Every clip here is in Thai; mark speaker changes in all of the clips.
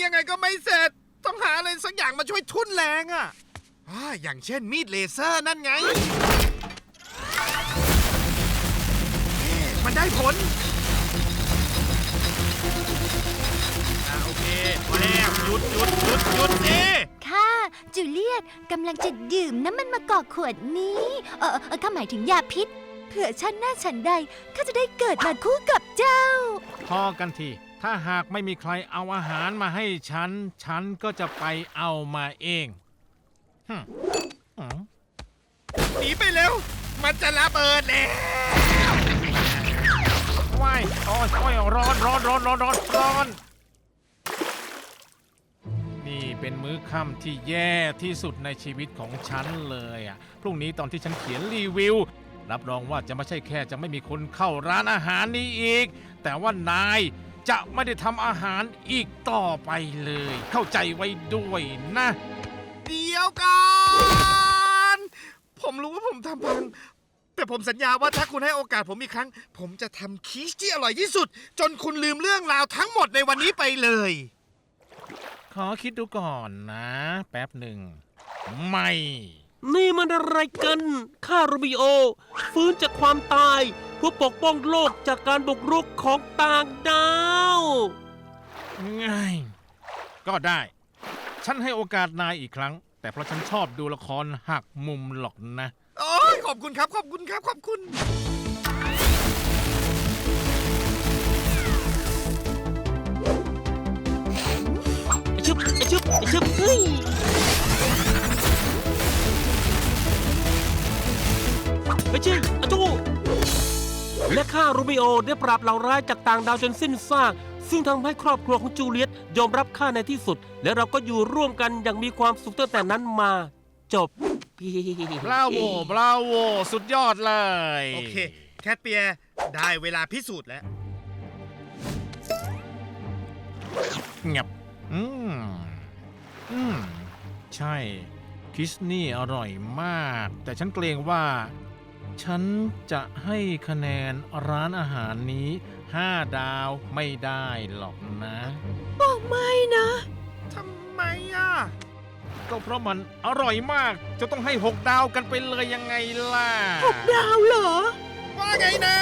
Speaker 1: ยังไงก็ไม่เสร็จต้องหาอะไรสักอย่างมาช่วยทุ่นแรงอ่ะอย่างเช่นมีดเลเซอร์นั่นไงมันได้ผลโอเคพอแล้วหยุด
Speaker 2: ค่ะจูเลียตกำลังจะดื่มน้ำมันมะกอกขวดนี้ข้าหมายถึงยาพิษเผื่อฉันหน้าฉันใดข้าจะได้เกิดมาคู่กับเจ้า
Speaker 3: พอกันทีถ้าหากไม่มีใครเอาอาหารมาให้ฉันก็จะไปเอามาเอง
Speaker 1: หนีไปเร็วมันจะระเบิดแล้ว
Speaker 3: ว้ายโอ้ยร้อนนี่เป็นมื้อค่ำที่แย่ที่สุดในชีวิตของฉันเลยพรุ่งนี้ตอนที่ฉันเขียนรีวิวรับรองว่าจะไม่ใช่แค่จะไม่มีคนเข้าร้านอาหารนี้อีกแต่ว่านายจะไม่ได้ทำอาหารอีกต่อไปเลยเข้าใจไว้ด้วยนะ
Speaker 1: เดี๋ยวกันผมรู้ว่าผมทำพังแต่ผมสัญญาว่าถ้าคุณให้โอกาสผมอีกครั้งผมจะทำคีชที่อร่อยที่สุดจนคุณลืมเรื่องราวทั้งหมดในวันนี้ไปเลย
Speaker 3: ขอคิดดูก่อนนะแป๊บหนึ่งไม่
Speaker 4: นี่มันอะไรกันข้าโรมิโอฟื้นจากความตายเพื่อปกป้องโลกจากการบุกรุกของต่างดาว
Speaker 3: ง่ายก็ได้ฉันให้โอกาสนายอีกครั้งแต่เพราะฉันชอบดูละครหักมุมหรอกนะ
Speaker 1: โอ้ยขอบคุณครับขอบคุณ
Speaker 4: ชึบเฮ้ยไปชี้อะจูและข้าโรมิโอได้ปราบเหล่าร้ายจากต่างดาวจนสิ้นซากซึ่งทำให้ครอบครัวของจูเลียตยอมรับข้าในที่สุดและเราก็อยู่ร่วมกันอย่างมีความสุขตั้งแต่นั้นมาจบบ
Speaker 3: ราโวสุดยอดเลย
Speaker 1: โอเคแคทเปียร์ได้เวลาพิสูจน์แล้ว
Speaker 3: เงียบใช่คิสนี่อร่อยมากแต่ฉันเกรงว่าฉันจะให้คะแนนร้านอาหารนี้5 ดาวไม่ได้หรอกนะ
Speaker 2: บอกไม่นะ
Speaker 1: ทำไม
Speaker 3: ก็เพราะมันอร่อยมากจะต้องให้6 ดาวกันไปเลยยังไงล่ะ
Speaker 2: 6 ดาวเหรอ
Speaker 1: ว่าไงนะ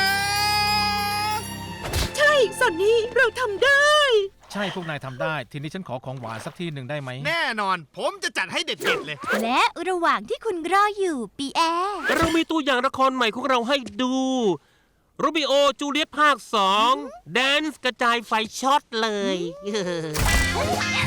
Speaker 2: ใช่สันนี่เราทำได้
Speaker 3: ใช่พวกนายทำได้ทีนี้ฉันขอของหวานสักที่หนึ่งได้ไหม
Speaker 1: แน่นอนผมจะจัดให้เด็ดๆเลย
Speaker 2: และระหว่างที่คุณรออยู่ปีแอร์
Speaker 4: เรามีตัวอย่างละครใหม่ของเราให้ดูโรมิโอจูเลียตภาค2แดนซ์กระจายไฟช็อตเลย